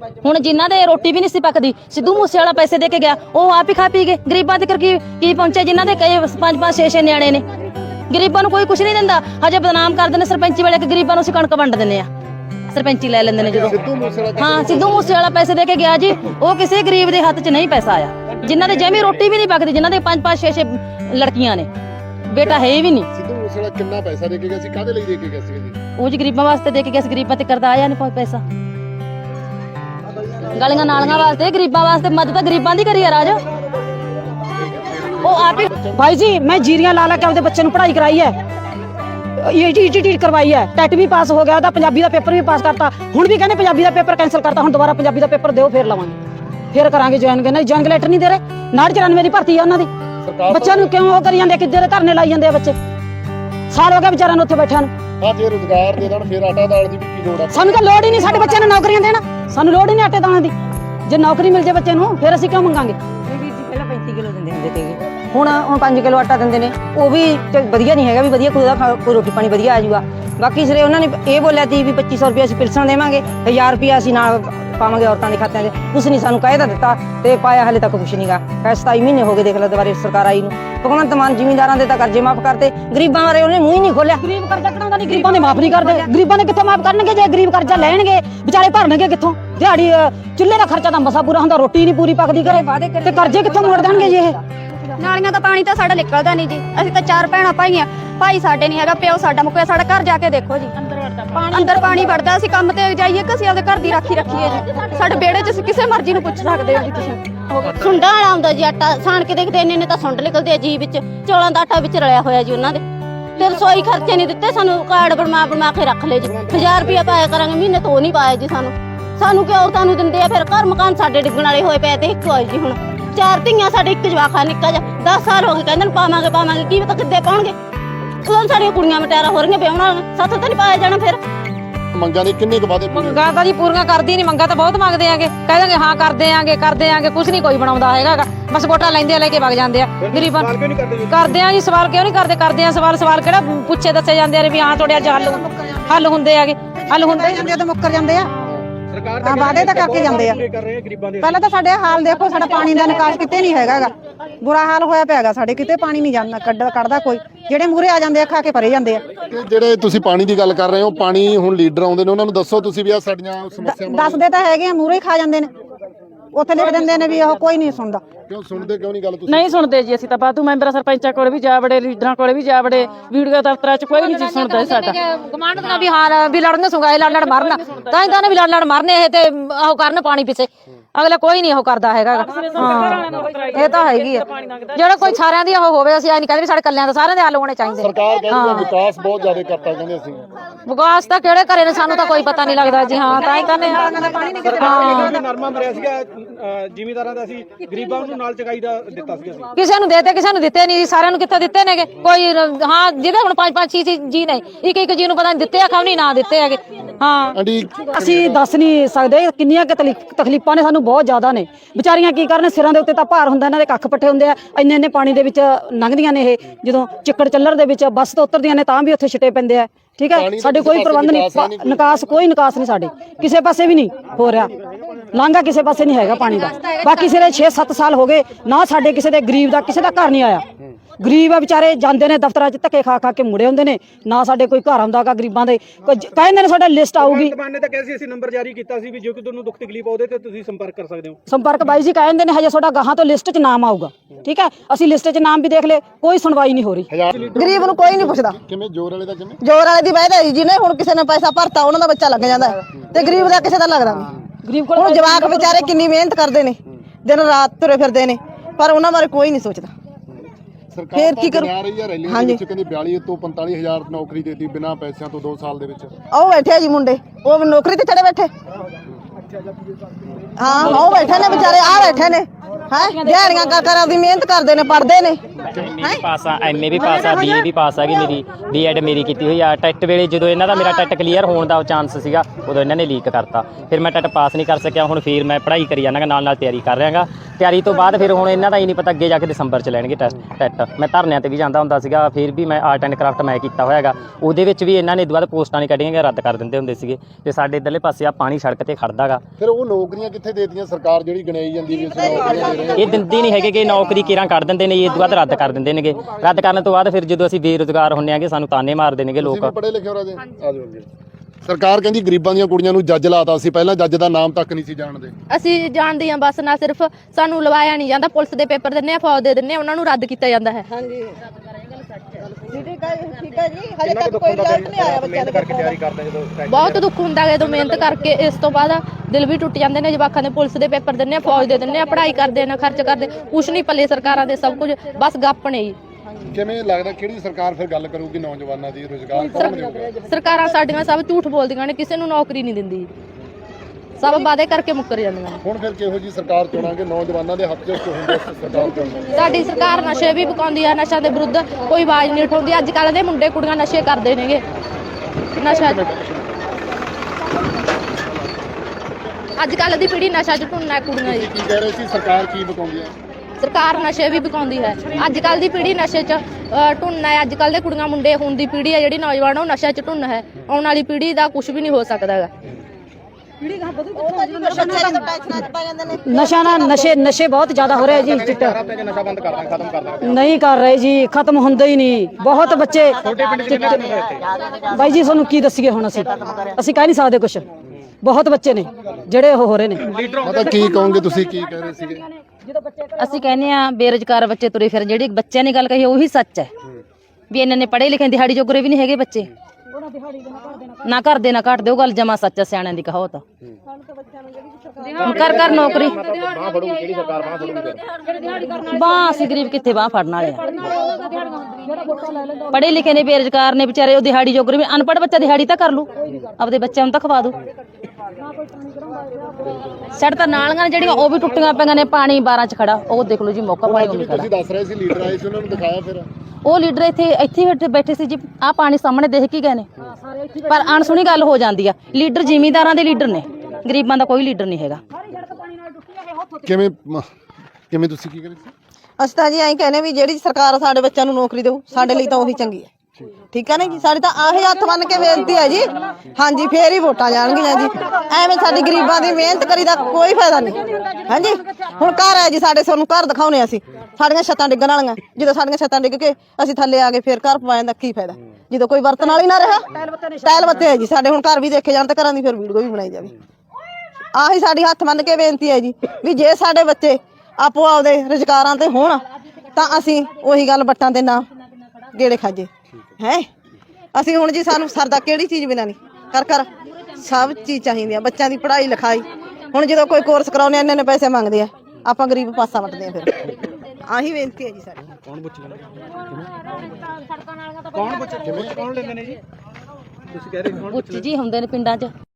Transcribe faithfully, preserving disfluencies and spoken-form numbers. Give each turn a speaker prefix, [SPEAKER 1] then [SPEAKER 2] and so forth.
[SPEAKER 1] ਹੁਣ ਜਿਨ੍ਹਾਂ ਦੇ ਰੋਟੀ ਵੀ ਨਹੀਂ ਸੀ ਪੱਕਦੀ, ਸਿੱਧੂ ਮੂਸੇ ਵਾਲਾ ਪੈਸੇ ਦੇ ਕੇ ਗਿਆ, ਉਹ ਆਪ ਹੀ ਖਾ ਪੀ ਗਏ। ਗਰੀਬਾਂ ਤੱਕ ਕੀ ਕੀ ਪਹੁੰਚੇ ਜਿਨ੍ਹਾਂ ਦੇ ਕਈ ਪੰਜ ਪੰਜ ਛੇ ਛੇ ਨਿਆਣੇ ਨੇ। ਗਰੀਬਾਂ ਨੂੰ ਕੋਈ ਕੁਝ ਨਹੀਂ ਦਿੰਦਾ, ਹਜੇ ਬਦਨਾਮ ਕਰਦੇ ਨੇ ਸਰਪੰਚੀ ਵਾਲੇ ਕਿ ਗਰੀਬਾਂ ਨੂੰ ਅਸੀਂ ਕਣਕ ਵੰਡ ਦਿੰਦੇ ਆ, ਸਰਪੰਚੀ ਲੈ ਲੈਂਦੇ ਨੇ ਜਦੋਂ। ਹਾਂ, ਸਿੱਧੂ ਮੂਸੇ ਵਾਲਾ ਪੈਸੇ ਦੇ ਕੇ ਗਿਆ ਜੀ, ਉਹ ਕਿਸੇ ਗਰੀਬ ਦੇ ਹੱਥ 'ਚ ਨਹੀਂ ਪੈਸਾ ਆਇਆ। ਜਿਨ੍ਹਾਂ ਦੇ ਜਮੀ ਰੋਟੀ ਵੀ ਨਹੀਂ ਪੱਕਦੀ, ਜਿਨ੍ਹਾਂ ਦੇ ਪੰਜ ਪੰਜ ਛੇ ਛੇ ਲੜਕੀਆਂ ਨੇ, ਬੇਟਾ ਹੈ ਵੀ ਨਹੀਂ।
[SPEAKER 2] ਸਿੱਧੂ ਮੂਸੇ ਵਾਲਾ ਕਿੰਨਾ ਪੈਸਾ ਦੇ ਕੇ ਗਿਆ ਸੀ, ਕਾਹਦੇ ਲਈ ਦੇ ਕੇ ਗਿਆ ਸੀ ਜੀ?
[SPEAKER 1] ਉਹ ਜੀ ਗਰੀਬਾਂ ਵਾਸਤੇ ਦੇ ਕੇ ਗਿਆ ਸੀ, ਗਰੀਬਾਂ ਤੇ ਕਰਦਾ ਆਇਆ ਨਹੀਂ ਪੈਸਾ। ਗਲੀਆਂ ਨਾਲੀਆਂ ਵਾਸਤੇ, ਗਰੀਬਾਂ ਵਾਸਤੇ ਮਦਦ ਤਾਂ ਗਰੀਬਾਂ ਦੀ ਕਰੀ ਆ ਰਾਜ। ਉਹ ਆਪ ਹੀ
[SPEAKER 3] भाई जी मैं जीरियां ला ला के अपने बच्चे पढ़ाई कराई है, ईटीटी करवाई है, टैट भी पास हो गया, पंजाबी का पेपर भी पास करता। हुण भी कहने पंजाबी का पेपर कैंसल करता, हुण दोबारा पंजाबी का पेपर दो फिर लवांगे, फिर करांगे ज्वाइन। कहने ज्वाइन लेटर नहीं दे रहे, नाड़ चौरानवे की भर्ती है उन्होंने। बच्चों नूं क्यों करी जांदे, किद्दे दे धरने लाई जांदे बच्चे, साल हो गया बेचारिਆਂ ਨੂੰ ਉੱਥੇ ਬੈਠਿਆਂ ਨੂੰ।
[SPEAKER 2] ਹਾਂ, ਜੇ ਰੁਜ਼ਗਾਰ ਦੇ ਦੇਣ ਫਿਰ ਆਟਾ ਦਾਲ ਦੀ ਵੀ ਕੀ ਲੋੜ ਆ?
[SPEAKER 3] ਸਾਨੂੰ ਤਾਂ ਲੋੜ ਹੀ ਨਹੀਂ, ਸਾਡੇ ਬੱਚਿਆਂ ਨੂੰ ਨੌਕਰੀਆਂ ਦੇਣਾ, ਸਾਨੂੰ ਲੋੜ ਹੀ ਨਹੀਂ ਆਟੇ ਦਾਲਾਂ ਦੀ। ਜੇ ਨੌਕਰੀ ਮਿਲ ਜੇ ਬੱਚੇ ਨੂੰ ਫਿਰ ਅਸੀਂ ਕਿਉਂ ਮੰਗਾਂਗੇ?
[SPEAKER 4] ਪਹਿਲਾਂ ਪੈਂਤੀ ਕਿਲੋ ਦਿੰਦੇ ਹੁੰਦੇ ਸੀਗੇ, ਹੁਣ ਹੁਣ ਪੰਜ ਕਿਲੋ ਆਟਾ ਦਿੰਦੇ ਨੇ, ਉਹ ਵੀ ਵਧੀਆ ਨਹੀਂ ਹੈਗਾ ਵੀ ਵਧੀਆ ਕੋਈ ਰੋਟੀ ਪਾਣੀ ਵਧੀਆ ਆ ਜਾਊਗਾ। ਬਾਕੀ ਸਿਰੇ ਉਹਨਾਂ ਨੇ ਇਹ ਬੋਲਿਆ ਸੀ ਵੀ ਪੱਚੀ ਸੌ ਰੁਪਏ ਅਸੀਂ ਪਿਲਸਣ ਦੇਵਾਂਗੇ, ਹਜ਼ਾਰ ਰੁਪਇਆ ਅਸੀਂ ਨਾਲ ਪਾਵਾਂਗੇ ਔਰਤਾਂ ਦੇ ਖਾਤਿਆਂ 'ਚ। ਕੁਛ ਨਹੀਂ ਸਾਨੂੰ ਕਾਇਦਾ ਦਿੱਤਾ ਤੇ ਪਾਇਆ ਹਲੇ ਤੱਕ ਕੁਛ ਨਹੀਂਗਾ। ਕਹਿ ਸਤਾਈ ਮਹੀਨੇ ਹੋ ਗਏ ਦੇਖ ਲਓ ਦੁਬਾਰੇ ਸਰਕਾਰ ਆਈ ਨੂੰ। ਭਗਵੰਤ ਮਾਨ ਜ਼ਿਮੀਂਦਾਰਾਂ ਦੇ ਤਾਂ ਕਰਜ਼ੇ ਮਾਫ ਕਰਤੇ, ਗਰੀਬਾਂ ਬਾਰੇ ਉਹਨੇ ਮੂੰਹ ਹੀ ਨਹੀਂ ਖੋਲਿਆ।
[SPEAKER 3] ਗਰੀਬ ਕਰਜ਼ਾ ਕਢਾਉਂਦਾ ਨਹੀਂ, ਗਰੀਬਾਂ ਦੇ ਮਾਫ ਨਹੀਂ ਕਰਦੇ। ਗਰੀਬਾਂ ਦੇ ਕਿੱਥੋਂ ਮਾਫ ਕਰਨਗੇ? ਜੇ ਗਰੀਬ ਕਰਜ਼ਾ ਲੈਣਗੇ ਵਿਚਾਰੇ ਭਰਨਗੇ ਕਿੱਥੋਂ? ਦਿਹਾੜੀ ਚੁੱਲ੍ਹੇ ਦਾ ਖਰਚਾ ਤਾਂ ਮਸਾ ਪੂਰਾ ਹੁੰਦਾ, ਰੋਟੀ ਨਹੀਂ ਪੂਰੀ ਪੱਕਦੀ ਘਰੇ, ਤੇ ਕਰਜ਼ੇ ਕਿੱਥੋਂ ਮੋੜ ਦੇਣਗੇ ਜੀ ਇਹ?
[SPEAKER 5] ਨਾਲੀਆਂ ਦਾ ਪਾਣੀ ਤਾਂ ਸਾਡਾ ਨਿਕਲਦਾ ਨਹੀਂ ਜੀ। ਅਸੀਂ ਤਾਂ ਚਾਰ ਭੈਣਾਂ ਭਾਈਆਂ, ਭਾਈ ਸਾਡੇ ਨਹੀਂ ਹੈਗਾ, ਪਿਓ ਸਾਡਾ ਮੁੱਕਿਆ। ਸਾਡਾ ਘਰ ਜਾ ਕੇ ਦੇਖੋ ਜੀ, ਅੰਦਰ ਪਾਣੀ ਵੜਦਾ। ਅਸੀਂ ਕੰਮ ਤੇ ਜਾਈਏ ਕਿ ਅਸੀਂ ਆਪਦੇ ਘਰ ਦੀ ਰਾਖੀ ਰੱਖੀਏ ਜੀ? ਸਾਡੇ ਵਿਹੜੇ 'ਚ ਅਸੀਂ ਕਿਸੇ ਮਰਜ਼ੀ ਨੂੰ ਪੁੱਛ ਸਕਦੇ ਹੋ ਜੀ ਤੁਸੀਂ।
[SPEAKER 6] ਸੁੰਡਾਂ ਵਾਲਾ ਆਉਂਦਾ ਜੀ ਆਟਾ, ਸਾਣ ਕੇ ਦੇਖਦੇ ਇੰਨੇ ਨੇ ਤਾਂ ਸੁੰਡ ਨਿਕਲਦੇ ਆ ਜੀ ਵਿੱਚ, ਚੌਲਾਂ ਦਾ ਆਟਾ ਵਿੱਚ ਰਲਿਆ ਹੋਇਆ ਜੀ ਉਹਨਾਂ ਦੇ। ਤੇ ਰਸੋਈ ਖਰਚੇ ਨਹੀਂ ਦਿੱਤੇ ਸਾਨੂੰ, ਕਾਰਡ ਬਣਵਾ ਬਣਵਾ ਕੇ ਰੱਖ ਲਏ ਜੀ। ਹਜ਼ਾਰ ਰੁਪਇਆ ਪਾਇਆ ਕਰਾਂਗੇ ਮਹੀਨੇ ਤੋਂ, ਉਹ ਨਹੀਂ ਪਾਇਆ ਜੀ ਸਾਨੂੰ। ਸਾਨੂੰ ਕਿ ਔਰਤਾਂ ਨੂੰ ਦਿੰਦੇ ਆ, ਫਿਰ ਘਰ ਮਕਾਨ ਸਾਡੇ ਡਿੱਗਣ ਵਾਲੇ ਹੋਏ ਪਏ ਤੇ ਇੱਕ ਹੋਏ ਜੀ। ਹੁਣ ਚਾਰ ਧੀਆਂ, ਸਾਡੇ ਇੱਕ ਜਵਾਖਾ ਨਿੱਕਾ ਜਿਹਾ, ਦਸ ਸਾਲ ਹੋ ਗਏ ਕਹਿੰਦੇ ਪਾਵਾਂਗੇ ਪਾਵਾਂਗੇ, ਕੀ ਪਤਾ ਕਿੱਦੇ ਪਾਉਣਗੇ। ਉਦੋਂ ਸਾਡੀਆਂ ਕੁੜੀਆਂ ਮਟਿਆਰਾ ਹੋ ਰਹੀਆਂ ਵਿਆਹੁਣ ਵਾਲੀਆਂ, ਸਾਥੋਂ ਤਾਂ ਨਹੀਂ ਪਾਇਆ ਜਾਣਾ। ਫਿਰ
[SPEAKER 2] ਮੰਗਾਂ ਦੇ ਕਿੰਨੇ ਕੁ ਵਾਅਦੇ?
[SPEAKER 4] ਮੰਗਾਂ ਤਾਂ ਜੀ ਪੂਰੀਆਂ ਕਰਦੀ ਨਹੀਂ, ਮੰਗਾਂ ਤਾਂ ਬਹੁਤ ਮੰਗਦੇ ਆਂਗੇ, ਕਹਿ ਦਾਂਗੇ ਹਾਂ ਕਰਦੇ ਆਂਗੇ ਕਰਦੇ ਆਂਗੇ, ਕੁਛ ਨਹੀਂ ਕੋਈ ਬਣਾਉਂਦਾ ਹੈਗਾ। ਬਸ ਵੋਟਾਂ ਲੈਂਦੇ ਆ, ਲੈ ਕੇ ਵਗ ਜਾਂਦੇ ਆ। ਗਰੀਬਾਂ ਕਰਦੇ ਆ ਜੀ, ਸਵਾਲ ਕਿਉਂ ਨਹੀਂ ਕਰਦੇ? ਕਰਦੇ ਆ ਸਵਾਲ। ਸਵਾਲ ਕਿਹੜਾ ਪੁੱਛੇ ਦੱਸੇ ਜਾਂਦੇ ਆ ਵੀ ਹਾਂ ਤੁਹਾਡੇ ਅੱਜ ਹੱਲ ਹੱਲ ਹੁੰਦੇ ਆਗੇ, ਹੱਲ ਹੁੰਦੇ ਜਾਂਦੇ ਆ ਤੇ ਮੁੱਕਰ ਜਾਂਦੇ ਆ। ਹਾਂ, ਵਾਅਦੇ ਤਾਂ ਕਰਕੇ ਜਾਂਦੇ ਆ। ਪਹਿਲਾਂ ਤਾਂ ਸਾਡੇ ਹਾਲ ਦੇਖੋ, ਸਾਡਾ ਪਾਣੀ ਦਾ ਨਿਕਾਸ ਕਿਤੇ ਨਹੀਂ ਹੈਗਾ, ਬੁਰਾ ਹਾਲ ਹੋਇਆ ਪਿਆਗਾ ਸਾਡੇ, ਕਿਤੇ ਪਾਣੀ ਨਹੀਂ ਜਾਂਦਾ ਕੱਢਦਾ ਕੋਈ। ਜਿਹੜੇ ਮੂਹਰੇ ਆ ਜਾਂਦੇ ਆ ਖਾ ਕੇ ਭਰੇ ਜਾਂਦੇ ਆ।
[SPEAKER 2] ਜਿਹੜੇ ਤੁਸੀਂ ਪਾਣੀ ਦੀ ਗੱਲ ਕਰ ਰਹੇ ਹੋ, ਪਾਣੀ ਹੁਣ ਲੀਡਰ ਆਉਂਦੇ ਨੇ, ਉਹਨਾਂ ਨੂੰ ਦੱਸੋ ਤੁਸੀਂ ਵੀ ਆ ਸਾਡੀਆਂ ਸਮੱਸਿਆਵਾਂ
[SPEAKER 3] ਦੱਸਦੇ ਤਾਂ ਹੈਗੇ ਆ, ਮੂਹਰੇ ਖਾ ਜਾਂਦੇ ਨੇ, ਉੱਥੇ ਲਿਖ ਦਿੰਦੇ ਨੇ ਵੀ ਉਹ ਕੋਈ ਨਹੀਂ ਸੁਣਦਾ।
[SPEAKER 2] ਕਿਉਂ ਸੁਣਦੇ ਕਿਉਂ ਨਹੀਂ ਗੱਲ ਤੁਸੀਂ?
[SPEAKER 7] ਨਹੀਂ ਸੁਣਦੇ ਜੀ, ਅਸੀਂ ਤਾਂ ਬਾਦੂ ਮੈਂਬਰਾਂ ਸਰਪੰਚਾਂ ਕੋਲ ਵੀ ਜਾ ਵੜੇ, ਲੀਡਰਾਂ ਕੋਲ ਵੀ ਜਾ ਵੜੇ, ਵੀਡੀਓ ਦਫ਼ਤਰਾਂ 'ਚ ਕੋਈ ਨਹੀਂ ਜੀ ਸੁਣਦਾ ਸਾਡਾ।
[SPEAKER 4] ਗਮਾਂਡ ਦਾ ਵੀ ਹਾਂ ਵੀ ਲੜਨ ਸੁਗਾਏ ਲੜ ਲੜ ਮਰਨ, ਤਾਂ ਹੀ ਤਾਂ ਵੀ ਲੜ ਲੜ ਮਰਨੇ ਇਹ ਤੇ ਉਹ ਕਰਨ ਪਾਣੀ ਪਿੱਛੇ। ਅਗਲਾ ਕੋਈ ਨਹੀਂ ਉਹ ਕਰਦਾ ਹੈਗਾ। ਹਾਂ, ਇਹ ਤਾਂ ਹੈਗੀ ਆ। ਜਿਹੜਾ ਕੋਈ ਸਾਰਿਆਂ ਦੀ ਉਹ ਹੋਵੇ, ਅਸੀਂ ਐ ਨਹੀਂ ਕਹਿੰਦੇ ਵੀ ਸਾਡੇ ਕੱਲਿਆਂ ਦਾ, ਸਾਰਿਆਂ ਦੇ ਹੱਲ ਹੋਣੇ ਚਾਹੀਦੇ।
[SPEAKER 2] ਸਰਕਾਰ ਕਹਿੰਦੀ ਹੈ ਵਿਕਾਸ ਬਹੁਤ ਜ਼ਿਆਦਾ ਕਰਤਾ, ਕਹਿੰਦੇ ਅਸੀਂ
[SPEAKER 4] ਵਿਕਾਸ ਤਾਂ ਕਿਹੜੇ ਕਰੇ ਨੇ, ਸਾਨੂੰ ਤਾਂ ਕੋਈ ਪਤਾ ਨਹੀਂ ਲੱਗਦਾ ਜੀ। ਹਾਂ, ਤਾਂ ਹੀ ਕਹਿੰਦੇ ਹਾਂ
[SPEAKER 8] ਨਰਮਾ ਮਰਿਆ ਸੀਗਾ ਜ਼ਿਮੀਂਦਾਰਾਂ ਦਾ, ਅਸੀਂ ਗਰੀਬਾਂ ਨੂੰ ਨਾਲ ਚਗਾਈ ਦਾ ਦਿੱਤਾ ਸੀ। ਅਸੀਂ
[SPEAKER 4] ਕਿਸੇ ਨੂੰ ਦੇਤੇ, ਕਿਸੇ ਨੂੰ ਦਿੱਤੇ ਨਹੀਂ। ਸਾਰਿਆਂ ਨੂੰ ਕਿੱਥੇ ਦਿੱਤੇ ਨੇਗੇ? ਕੋਈ ਹਾਂ ਜਿਹਦੇ ਹੁਣ ਪੰਜ ਪੰਜ ਛੇ ਜੀ ਨੇ, ਇੱਕ ਇੱਕ ਜੀ ਨੂੰ ਪਤਾ ਨਹੀਂ ਦਿੱਤੇ ਆ ਖਾਵ ਨਹੀਂ ਨਾ ਦਿੱਤੇ ਹੈਗੇ। ਹਾਂ,
[SPEAKER 3] ਅਸੀਂ ਦੱਸ ਨਹੀਂ ਸਕਦੇ ਕਿੰਨੀਆਂ ਕਿ ਤਕਲੀਫਾਂ ਨੇ ਸਾਨੂੰ, ਬਹੁਤ ਜ਼ਿਆਦਾ ਨੇ। ਵਿਚਾਰੀਆਂ ਕੀ ਕਰਨ, ਸਿਰਾਂ ਦੇ ਉੱਤੇ ਤਾਂ ਭਾਰ ਹੁੰਦਾ, ਇਹਨਾਂ ਦੇ ਕੱਖ ਪੱਠੇ ਹੁੰਦੇ ਆ, ਇੰਨੇ ਇੰਨੇ ਪਾਣੀ ਦੇ ਵਿੱਚ ਲੰਘਦੀਆਂ ਨੇ ਇਹ। ਜਦੋਂ ਚਿੱਕੜ ਚੱਲਰ ਦੇ ਵਿੱਚ ਬੱਸ ਤੋਂ ਉਤਰਦੀਆਂ ਨੇ ਤਾਂ ਵੀ ਉੱਥੇ ਛਿੱਟੇ ਪੈਂਦੇ ਆ। ਠੀਕ ਹੈ, ਸਾਡੇ ਕੋਈ ਪ੍ਰਬੰਧ ਨਹੀਂ, ਨਿਕਾਸ ਕੋਈ ਨਿਕਾਸ ਨਹੀਂ ਸਾਡੇ ਕਿਸੇ ਪਾਸੇ ਵੀ ਨਹੀਂ ਹੋ ਰਿਹਾ। ਲਾਂਘਾ ਕਿਸੇ ਪਾਸੇ ਨਹੀਂ ਹੈਗਾ ਪਾਣੀ ਦਾ। ਬਾਕੀ ਸਿਰੇ ਛੇ ਸੱਤ ਸਾਲ ਹੋ ਗਏ ਨਾ, ਸਾਡੇ ਕਿਸੇ ਦੇ ਗਰੀਬ ਦਾ ਕਿਸੇ ਦਾ ਘਰ ਨਹੀਂ ਆਇਆ। ਗਰੀਬ ਆ ਵਿਚਾਰੇ, ਜਾਂਦੇ ਨੇ ਦਫ਼ਤਰਾਂ 'ਚ ਧੱਕੇ ਖਾ ਖਾ ਕੇ ਮੁੜੇ ਹੁੰਦੇ ਨੇ, ਨਾ ਸਾਡੇ ਕੋਈ ਘਰ ਆਉਂਦਾਗਾ ਗਰੀਬਾਂ ਦੇ। ਕਹਿੰਦੇ ਨੇ ਸਾਡਾ ਲਿਸਟ ਆਊਗੀ,
[SPEAKER 8] ਨੇ ਤਾਂ ਕਿਹਾ ਸੀ ਅਸੀਂ ਨੰਬਰ ਜਾਰੀ ਕੀਤਾ ਸੀ ਵੀ ਜੇ ਕੋਈ ਤੁਹਾਨੂੰ ਦੁੱਖ ਤਕਲੀਫ ਆਉਦੇ ਤੇ ਤੁਸੀਂ ਸੰਪਰਕ ਕਰ ਸਕਦੇ ਹੋ।
[SPEAKER 3] ਸੰਪਰਕ ਬਾਈ ਜੀ ਕਹਿੰਦੇ ਨੇ ਹਜੇ ਤੁਹਾਡਾ ਗਾਹਾਂ ਤੋਂ ਲਿਸਟ 'ਚ ਨਾਮ ਆਊਗਾ। ਠੀਕ ਹੈ, ਅਸੀਂ ਲਿਸਟ 'ਚ ਨਾਮ ਵੀ ਦੇਖ ਲਏ, ਕੋਈ ਸੁਣਵਾਈ ਨਹੀਂ ਹੋ ਰਹੀ।
[SPEAKER 4] ਗਰੀਬ ਨੂੰ ਕੋਈ ਨਹੀਂ ਪੁੱਛਦਾ।
[SPEAKER 2] ਕਿਵੇਂ ਜ਼ੋਰ ਵਾਲੇ ਦਾ? ਕਿਵੇਂ
[SPEAKER 4] ਜ਼ੋਰ ਵਾਲੇ ਦੀ ਵਾਅਦਾ ਜਿਹਨੇ ਹੁਣ ਕਿਸੇ ਨੇ ਪੈਸਾ ਭਰਤਾ ਉਹਨਾਂ ਦਾ ਬੱਚਾ ਲੱਗ ਜਾਂਦਾ ਤੇ ਗਰੀਬ ਦਾ ਕਿਸੇ ਦਾ ਲੱਗਦਾ ਨਹੀਂ।
[SPEAKER 3] ਗਰੀਬ ਕੋਲ
[SPEAKER 4] ਹੁਣ ਜਵਾਕ ਵਿਚਾਰੇ ਕਿੰਨੀ ਮਿਹਨਤ ਕਰਦੇ ਨੇ, ਦਿਨ ਰਾਤ ਤੁਰੇ ਫਿਰਦੇ ਨੇ, ਪਰ ਉਹਨਾਂ ਬਾਰੇ ਕੋਈ ਨਹੀਂ ਸੋਚਦਾ।
[SPEAKER 2] ਫੇਰ ਕੀ ਕਰ ਰਹੀ ਹੈ ਰੈਲੀਆਂ ਦੇ ਵਿੱਚ? ਕਹਿੰਦੇ ਬਿਆਲੀ ਤੋਂ ਪੰਤਾਲੀ ਹਜ਼ਾਰ ਨੌਕਰੀ ਦੇਤੀ ਬਿਨਾਂ ਪੈਸਿਆਂ ਤੋਂ ਦੋ ਸਾਲ ਦੇ ਵਿੱਚ।
[SPEAKER 4] ਉਹ ਬੈਠੇ ਜੀ ਮੁੰਡੇ, ਉਹ ਨੌਕਰੀ ਤੇ ਚੜੇ ਬੈਠੇ। ਹਾਂ, ਉਹ ਬੈਠੇ ਨੇ ਵਿਚਾਰੇ, ਆ ਬੈਠੇ ਨੇ।
[SPEAKER 9] ਹੈ ਦਿਹਾੜੀਆਂ ਕਰ ਕਰ ਆਪਦੀ ਮਿਹਨਤ ਕਰਦੇ ਨੇ ਪੜਦੇ ਨੇ
[SPEAKER 10] ਐਮਏ ਪਾਸ ਆ ਐਮਏ ਵੀ ਪਾਸ ਆ ਬੀਏ ਵੀ ਪਾਸ ਆ ਗਈ ਮੇਰੀ ਬੀਐਡ ਮੇਰੀ ਕੀਤੀ ਹੋਈ ਆ। ਟੈਟ ਵੇਲੇ ਜਦੋਂ ਇਹਨਾਂ ਦਾ ਮੇਰਾ ਟੈਟ ਕਲੀਅਰ ਹੋਣ ਦਾ ਚਾਂਸ ਸੀਗਾ ਉਦੋਂ ਇਹਨਾਂ ਨੇ ਲੀਕ ਕਰਤਾ, ਫਿਰ ਮੈਂ ਟੈਟ ਪਾਸ ਨਹੀਂ ਕਰ ਸਕਿਆ। ਹੁਣ ਫਿਰ ਮੈਂ ਪੜ੍ਹਾਈ ਕਰੀ ਜਾਣਾ, ਨਾਲ ਨਾਲ ਤਿਆਰੀ ਕਰ ਰਿਹਾਗਾ। ਤਿਆਰੀ ਤੋਂ ਬਾਅਦ ਫਿਰ ਹੁਣ ਇਹਨਾਂ ਦਾ ਹੀ ਨਹੀਂ ਪਤਾ ਅੱਗੇ ਜਾ ਕੇ ਦਸੰਬਰ 'ਚ ਲੈਣਗੇ ਟੈਸਟ ਟੈਟ। ਮੈਂ ਧਰਨਿਆਂ ਤੇ ਵੀ ਜਾਂਦਾ ਹੁੰਦਾ ਸੀਗਾ, ਫਿਰ ਵੀ ਮੈਂ ਆਰਟ ਐਂਡ ਕਰਾਫਟ ਮੈਂ ਕੀਤਾ ਹੋਇਆਗਾ, ਉਹਦੇ ਵਿੱਚ ਵੀ ਇਹਨਾਂ ਨੇ ਦੁਬਾਰਾ ਪੋਸਟਾਂ ਨਹੀਂ ਕੱਢੀਆਂ, ਰੱਦ ਕਰ ਦਿੰਦੇ ਹੁੰਦੇ ਸੀਗੇ। ਤੇ ਸਾਡੇ ਇੱਧਰਲੇ ਪਾਸੇ ਆ ਪਾਣੀ ਸੜਕ ਤੇ ਖੜਦਾਗਾ।
[SPEAKER 2] ਫਿਰ ਉਹ ਨੌਕਰੀਆਂ ਕਿੱਥੇ ਦੇਤੀਆਂ ਸਰਕਾਰ ਜਿਹੜੀ ਗਣਾਈ ਜਾਂਦੀ ਵੀ ਅਸੀਂ ਨੌਕਰੀਆਂ ਦੇ ਰਹੇ
[SPEAKER 10] ਇਹ ਦਿੰਦੀ ਨਹੀਂ ਹੈਗੇ ਕਿ ਨੌਕਰੀ ਕਿਰਾਂ ਕੱਢ ਦਿੰਦੇ ਨੇ, ਇਹ ਤੋਂ ਬਾਅਦ ਰੱਦ ਕਰ ਦਿੰਦੇ ਨੇਗੇ। ਰੱਦ ਕਰਨ ਤੋਂ ਬਾਅਦ ਫਿਰ ਜਦੋਂ ਅਸੀਂ ਬੇਰੁਜ਼ਗਾਰ ਹੁੰਨੇ ਆਗੇ ਸਾਨੂੰ ਤਾਨੇ ਮਾਰਦੇ ਨੇਗੇ ਲੋਕ।
[SPEAKER 2] ਪੜ੍ਹੇ ਲਿਖੇ ਹੋ ਰਾਜੇ ਆ ਜਾਓ ਜੀ। ਸਰਕਾਰ ਕਹਿੰਦੀ ਗਰੀਬਾਂ ਦੀਆਂ ਕੁੜੀਆਂ ਨੂੰ ਜੱਜ ਲਾਤਾ ਸੀ, ਪਹਿਲਾਂ ਜੱਜ ਦਾ ਨਾਮ ਤੱਕ ਨਹੀਂ ਸੀ ਜਾਣਦੇ।
[SPEAKER 5] ਅਸੀਂ ਜਾਣਦੇ ਹਾਂ, ਬਸ ਨਾ ਸਿਰਫ ਸਾਨੂੰ ਲਵਾਇਆ ਨਹੀਂ ਜਾਂਦਾ, ਪੁਲਿਸ ਦੇ ਪੇਪਰ ਦਿੰਨੇ ਆ, ਫੌਜ ਦੇ ਦਿੰਨੇ ਆ, ਉਹਨਾਂ ਨੂੰ ਰੱਦ ਕੀਤਾ ਜਾਂਦਾ ਹੈ। ਹਾਂਜੀ
[SPEAKER 9] ਠੀਕ ਹੈ ਜੀ, ਹਜੇ ਤੱਕ ਕੋਈ ਰਿਜ਼ਲਟ ਨਹੀਂ ਆਇਆ ਬੱਚਿਆਂ ਦੇ
[SPEAKER 8] ਕਰਕੇ ਤਿਆਰੀ ਕਰਦੇ ਜਦੋਂ
[SPEAKER 5] ਬਹੁਤ ਦੁੱਖ ਹੁੰਦਾ ਜਦੋਂ ਮਿਹਨਤ ਕਰਕੇ ਇਸ ਤੋਂ ਬਾਅਦ ਦਿਲ ਵੀ ਟੁੱਟ ਜਾਂਦੇ ਨੇ ਜਵਾਕਾਂ ਦੇ। ਪੁਲਿਸ ਦੇ ਪੇਪਰ ਦਿੰਨੇ ਆ, ਫੌਜ ਦੇ ਦਿੰਨੇ ਆ, ਪੜ੍ਹਾਈ ਕਰਦੇ ਨੇ, ਖਰਚ ਕਰਦੇ, ਕੁਛ ਨਹੀਂ ਪੱਲੇ ਸਰਕਾਰਾਂ ਦੇ, ਸਭ ਕੁਝ ਬਸ ਗੱਪ ਨੇ ਜੀ।
[SPEAKER 2] ਕਿਵੇਂ ਲੱਗਦਾ ਕਿਹੜੀ ਸਰਕਾਰ ਫਿਰ ਗੱਲ ਕਰੂਗੀ ਨੌਜਵਾਨਾਂ ਦੀ, ਰੁਜ਼ਗਾਰ ਕੌਣ ਦੇਊਗਾ?
[SPEAKER 5] ਸਰਕਾਰਾਂ ਸਾਡੀਆਂ ਸਭ ਝੂਠ ਬੋਲਦੀਆਂ ਨੇ, ਕਿਸੇ ਨੂੰ ਨੌਕਰੀ ਨਹੀਂ ਦਿੰਦੀ, ਸਭ ਵਾਅਦੇ ਕਰਕੇ ਮੁੱਕਰ ਜਾਂਦੀਆਂ ਨੇ।
[SPEAKER 2] ਹੁਣ ਫਿਰ ਕਿਹੋ ਜੀ ਸਰਕਾਰ ਚੁਣਾਂਗੇ? ਨੌਜਵਾਨਾਂ ਦੇ ਹੱਕ 'ਚ ਹੋਊਗਾ ਸਰਕਾਰ ਚੁਣਾਂਗੇ।
[SPEAKER 5] ਸਾਡੀ ਸਰਕਾਰ ਨਸ਼ੇ ਵੀ ਵਿਕਾਉਂਦੀ ਆ, ਨਸ਼ਿਆਂ ਦੇ ਵਿਰੁੱਧ ਕੋਈ ਆਵਾਜ਼ ਨਹੀਂ ਉਠਾਉਂਦੀ। ਅੱਜ ਕੱਲ੍ਹ ਦੇ ਮੁੰਡੇ ਕੁੜੀਆਂ ਨਸ਼ੇ ਕਰਦੇ ਨੇਗੇ, ਨਸ਼ਾ ਅੱਜ ਕੱਲ੍ਹ ਦੀ ਪੀੜ੍ਹੀ ਨਸ਼ਾ 'ਚ ਟੁੰਨਾ ਕੁੜੀਆਂ ਜੀ।
[SPEAKER 2] ਕੀ ਕਹਿ ਰਹੇ ਸੀ ਸਰਕਾਰ ਕੀ ਵਿਕਾਉਂਦੀ ਹੈ?
[SPEAKER 5] ਸਰਕਾਰ ਨਸ਼ੇ ਵੀ ਵਿਕਾਉਂਦੀ ਹੈ। ਅੱਜ ਕੱਲ੍ਹ ਦੀ ਪੀੜ੍ਹੀ ਨਸ਼ੇ 'ਚ ਟੁੰਨਾ ਹੈ। ਅੱਜ ਕੱਲ੍ਹ ਦੇ ਕੁੜੀਆਂ ਮੁੰਡੇ ਹੁਣ ਦੀ ਪੀੜ੍ਹੀ ਹੈ ਜਿਹੜੀ ਨੌਜਵਾਨ ਉਹ ਨਸ਼ੇ 'ਚ ਟੁੰਨ ਹੈ। ਆਉਣ ਵਾਲੀ ਪੀੜ੍ਹੀ ਦਾ ਕੁਝ ਵੀ ਨਹੀਂ ਹੋ ਸਕਦਾ ਹੈਗਾ।
[SPEAKER 3] ਨਸ਼ਾ ਨਾ ਨਸ਼ੇ ਨਸ਼ੇ ਬਹੁਤ ਜ਼ਿਆਦਾ ਹੋ ਰਹੇ ਜੀ। ਚਿੱਟਾ
[SPEAKER 8] ਨਸ਼ਾ ਬੰਦ ਕਰ ਦਾਂ, ਖਤਮ ਕਰ ਦਾਂ।
[SPEAKER 3] ਨਹੀਂ ਕਰ ਰਹੇ ਜੀ, ਖਤਮ ਹੁੰਦਾ ਹੀ ਨਹੀਂ। ਬਹੁਤ ਬੱਚੇ ਬਾਈ ਜੀ ਤੁਹਾਨੂੰ ਕੀ ਦੱਸੀਏ ਹੁਣ, ਅਸੀਂ ਅਸੀਂ ਕਹਿ ਨਹੀਂ ਸਕਦੇ ਕੁਝ। ਬਹੁਤ ਬੱਚੇ ਨੇ ਜਿਹੜੇ ਉਹ ਹੋ ਰਹੇ ਨੇ।
[SPEAKER 2] ਮਤਲਬ ਕੀ ਕਹੋਗੇ ਤੁਸੀਂ, ਕੀ ਕਹਿ ਰਹੇ ਸੀਗੇ?
[SPEAKER 1] ਅਸੀਂ ਕਹਿੰਦੇ ਆ ਬੇਰੁਜ਼ਗਾਰ ਬੱਚੇ ਤੁਰੇ ਫਿਰ, ਜਿਹੜੀ ਬੱਚਿਆਂ ਦੀ ਗੱਲ ਕਹੀ ਉਹੀ ਸੱਚ ਹੈ ਵੀ ਇਹਨਾਂ ਨੇ ਪੜ੍ਹੇ ਲਿਖੇ ਦਿਹਾੜੀ ਜੋਗਰੇ ਵੀ ਨਹੀਂ ਹੈਗੇ ਬੱਚੇ, ਨਾ ਕਰਦੇ ਨਾ ਘਟਦੇ। ਉਹ ਗੱਲ ਜਮਾ ਸੱਚ ਹੈ, ਸਿਆਣਿਆਂ ਦੀ ਕਹੋ ਤਾਂ। ਕਰ ਕਰ ਨੌਕਰੀ ਬਾਹ, ਅਸੀਂ ਗਰੀਬ ਕਿੱਥੇ ਬਾਹ ਫੜਨ ਵਾਲੇ ਆ। ਪੜ੍ਹੇ ਲਿਖੇ ਨੇ, ਬੇਰੁਜ਼ਗਾਰ ਨੇ ਵਿਚਾਰੇ, ਉਹ ਦਿਹਾੜੀ ਜੋਗਰੇ ਵੀ। ਅਨਪੜ੍ਹ ਬੱਚਾ ਦਿਹਾੜੀ ਤਾਂ ਕਰ ਲੂ, ਆਪਦੇ ਬੱਚਿਆਂ ਨੂੰ ਤਾਂ ਖਵਾ ਦੂ। ਸਾਡੇ ਤਾਂ ਨਾਲੀਆਂ ਜਿਹੜੀਆਂ ਉਹ ਵੀ ਟੁੱਟੀਆਂ ਪਈਆਂ ਨੇ, ਪਾਣੀ ਬਾਰਾਂ ਚ ਖੜਾ। ਉਹ ਦੇਖ ਲਓ ਜੀ, ਮੌਕਾ ਪਾਣੀ ਨਹੀਂ ਖੜਾ।
[SPEAKER 2] ਤੁਸੀਂ ਦੱਸ ਰਹੇ ਸੀ ਲੀਡਰ ਆਏ ਸੀ, ਉਹਨਾਂ ਨੂੰ ਦਿਖਾਇਆ ਫਿਰ?
[SPEAKER 1] ਉਹ ਲੀਡਰ ਇੱਥੇ ਇੱਥੇ ਬੈਠੇ ਬੈਠੇ ਸੀ ਜੀ, ਆਹ ਪਾਣੀ ਸਾਹਮਣੇ ਦੇਖ ਕੇ ਗਏ ਨੇ। ਪਰ ਅਣਸੁਣੀ ਗੱਲ ਹੋ ਜਾਂਦੀ ਆ, ਲੀਡਰ ਜ਼ਿਮੀਂਦਾਰਾਂ ਦੇ ਲੀਡਰ ਨੇ, ਗਰੀਬਾਂ ਦਾ ਕੋਈ ਲੀਡਰ ਨਹੀਂ ਹੈਗਾ।
[SPEAKER 2] ਕਿਵੇਂ ਕਿਵੇਂ ਤੁਸੀਂ ਕੀ ਕਰੇ ਸੀ?
[SPEAKER 9] ਅਸੀਂ ਤਾਂ ਜੀ ਐਂ ਕਹਿੰਦੇ ਵੀ ਜਿਹੜੀ ਸਰਕਾਰ ਸਾਡੇ ਬੱਚਿਆਂ ਨੂੰ ਨੌਕਰੀ ਦੇਊ ਸਾਡੇ ਲਈ ਤਾਂ ਉਹੀ ਚੰਗੀ ਹੈ। ਠੀਕ ਹੈ ਨਾ ਜੀ, ਸਾਡੇ ਤਾਂ ਆਹੀ ਹੱਥ ਬੰਨ ਕੇ ਬੇਨਤੀ ਹੈ ਜੀ। ਹਾਂਜੀ, ਫੇਰ ਹੀ ਵੋਟਾਂ ਜਾਣਗੀਆਂ ਜੀ। ਐਵੇਂ ਸਾਡੀ ਗਰੀਬਾਂ ਦੀ ਮਿਹਨਤ ਕਰੀ ਦਾ ਕੋਈ ਫਾਇਦਾ ਨਹੀਂ। ਹਾਂਜੀ, ਹੁਣ ਘਰ ਹੈ ਜੀ ਸਾਡੇ, ਸਾਨੂੰ ਘਰ ਦਿਖਾਉਣੇ ਅਸੀਂ, ਸਾਡੀਆਂ ਛੱਤਾਂ ਡਿੱਗਣ ਵਾਲੀਆਂ। ਜਦੋਂ ਸਾਡੀਆਂ ਛੱਤਾਂ ਡਿੱਗ ਕੇ ਅਸੀਂ ਥੱਲੇ ਆ ਗਏ, ਫੇਰ ਘਰ ਪਵਾਉਣ ਦਾ ਕੀ ਫਾਇਦਾ ਜਦੋਂ ਕੋਈ ਵਰਤਣ ਵਾਲੀ ਨਾ ਰਿਹਾ। ਟਾਇਲ ਬੱਤੇ ਹੈ ਜੀ ਸਾਡੇ, ਹੁਣ ਘਰ ਵੀ ਦੇਖੇ ਜਾਣ ਤੇ ਘਰਾਂ ਦੀ ਫਿਰ ਵੀਡੀਓ ਵੀ ਬਣਾਈ ਜਾਵੇ। ਆਹੀ ਸਾਡੀ ਹੱਥ ਬੰਨ ਕੇ ਬੇਨਤੀ ਹੈ ਜੀ ਵੀ ਜੇ ਸਾਡੇ ਬੱਚੇ ਆਪੋ ਆਪਦੇ ਰੁਜ਼ਗਾਰਾਂ ਤੇ ਹੋਣ ਤਾਂ ਅਸੀਂ ਉਹੀ ਗੱਲ ਬੱਟਾਂ ਦੇ ਨਾ ਗੇੜੇ ਖਾਜੇ ਹੈ। ਅਸੀਂ ਹੁਣ ਜੀ ਸਾਨੂੰ ਸਰਦਾ ਕਿਹੜੀ ਚੀਜ਼ ਬਿਨਾਂ ਨਹੀਂ, ਕਰ ਕਰ ਸਭ ਚੀਜ਼ ਚਾਹੀਦੀ ਆ। ਬੱਚਿਆਂ ਦੀ ਪੜ੍ਹਾਈ ਲਿਖਾਈ, ਹੁਣ ਜਦੋਂ ਕੋਈ ਕੋਰਸ ਕਰਾਉਣੇ ਇੰਨੇ ਇੰਨੇ ਪੈਸੇ ਮੰਗਦੇ ਆ, ਆਪਾਂ ਗਰੀਬ ਪਾਸਾ ਵੱਟਦੇ ਆ। ਫਿਰ ਆਹੀ ਬੇਨਤੀ ਹੈ ਜੀ ਸਾਡੀ।
[SPEAKER 8] ਕੌਣ ਪੁੱਛ ਕੌਣ ਪੁੱਛ ਕੌਣ ਲੈਂਦੇ ਨੇ ਜੀ? ਤੁਸੀਂ ਕਹਿ ਰਹੇ ਕੌਣ
[SPEAKER 1] ਪੁੱਛ ਜੀ ਹੁੰਦੇ ਨੇ ਪਿੰਡਾਂ 'ਚ।